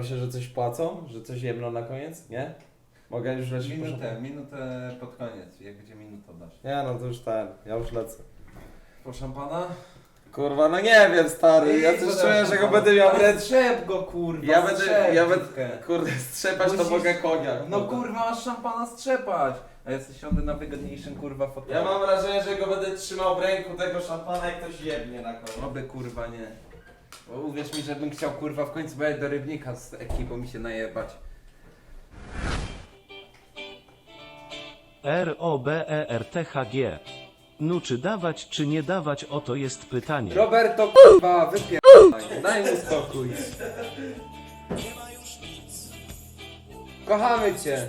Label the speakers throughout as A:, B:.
A: się, że coś płacą? Że coś jebną na koniec? Nie? Mogę już lecieć?
B: Minutę pod koniec, jak będzie minuta dasz.
A: Nie no, to już ja już lecę.
B: Po szampana?
A: Kurwa, no nie wiem stary, ja coś czuję, że go będę miał ręce.
B: Strzep go kurwa,
A: Ja będę, kurde, strzepać to mogę konia.
B: No kurwa, masz szampana strzepać. A ja sobie siądę na wygodniejszym kurwa fotelu.
A: Ja mam wrażenie, że go będę trzymał w ręku tego szampana jak ktoś jebnie na koniec.
B: Oby kurwa nie. Bo uwierz mi, że bym chciał kurwa w końcu jechać do Rybnika z ekipą mi się najebać.
C: ROBERTHG. No czy dawać, czy nie dawać, oto jest pytanie.
B: Roberto kurwa, wypierdaj, daj mu spokój. Kochamy cię.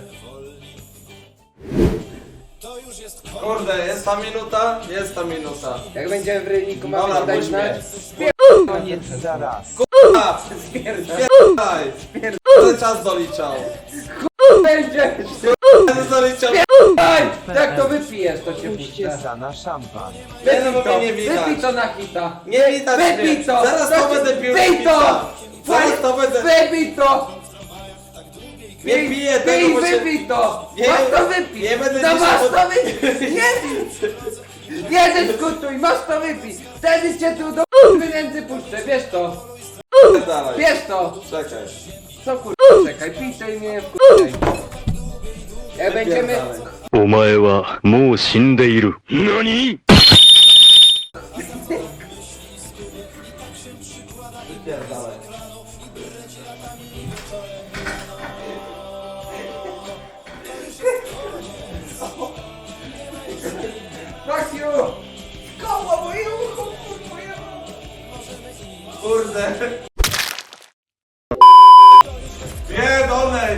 A: Kurde, jest ta minuta? Jest ta minuta.
B: Jak będziemy w Rybniku,
A: Dobra,
B: mamy dać
A: puść
B: znać.
A: mnie.
C: Koniec zaraz.
A: Kurwa! Spierdaj! Będę czas doliczał.
B: Będziesz!
A: Będę doliczał.
B: Daj! Jak to wypijesz, to się
C: Puśćcie
B: puszcza.
C: za na szampan.
A: Nie no, bo
B: Wypij to,
A: mnie nie widać.
B: wypij to na hita.
A: Nie widać
B: Wypij
A: mnie.
B: to!
A: Zaraz to będę pił.
B: Wypij to!
A: Zaraz to będę...
B: Wypij to!
A: Nie piję tego,
B: Pij,
A: bo się...
B: wypij to!
A: Nie,
B: Masz to wypij!
A: nie będę
B: No
A: dzisiaj
B: masz
A: pod-
B: to wypij! Nie dyskutuj, masz to wypij! Wtedy cię tu do pieniędzy puszczę, bierz to!
A: Dalej.
B: Bierz to!
A: Czekaj.
B: Co kurwa, czekaj, pij to i mnie wkurczaj. Jak będziemy...
A: Dalej.
D: お前はもう死んでいる。何
A: Dalej.
B: Fuck you! Koło moje ucho, kurwa!
A: Kurde. Nie, dolej.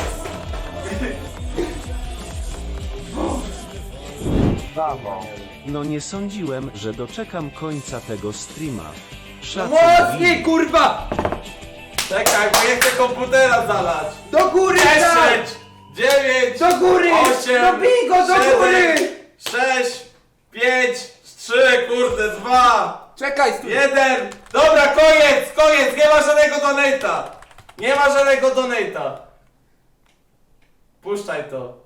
C: Brawo. No nie sądziłem, że doczekam końca tego streama. Szacun.
B: Mocniej kurwa!
A: Czekaj, bo ja chcę komputera zalać.
B: Do góry daj!
A: 10, 9,
B: Do góry!
A: 8,
B: No bij go do góry!
A: 6, 5, 3, kurde, 2,
B: Czekaj, stój!
A: 1. Dobra, koniec, nie ma żadnego donata. Nie ma żadnego donata. Puszczaj to.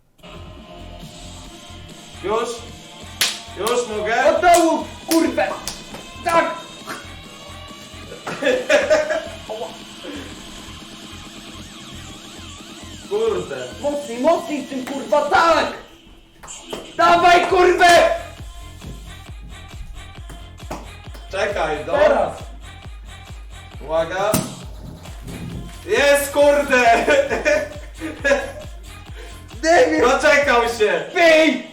A: Już? Już mogę?
B: Od dołu, kurwę! Tak!
A: Kurde.
B: Mocniej tym kurwa, tak! Dawaj kurwę!
A: Czekaj,
B: Teraz!
A: Uwaga. Jest, kurde.
B: Debil!
A: Doczekał się.
B: Pij!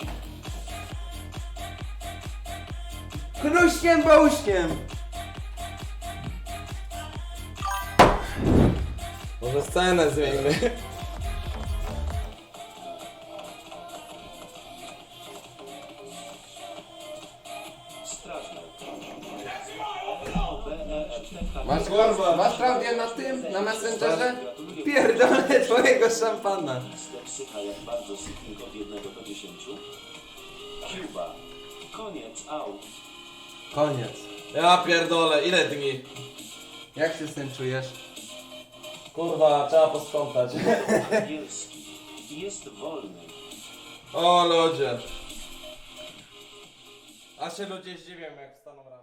B: Knuśniem bałuśniem!
A: Może scenę zmieńmy.
B: Masz kurwa, masz prawdę na tym, na Messengerze? Pierdolę twojego szampana.
C: Psycha jak bardzo sypnik od 1 do 10. Cuba. Koniec, out.
A: Koniec. Ja pierdolę, ile dni?
B: Jak się z tym czujesz?
A: Kurwa, trzeba posprzątać.
C: Angielski. Jest wolny.
A: O ludzie. A się ludzie zdziwią jak wstaną rano.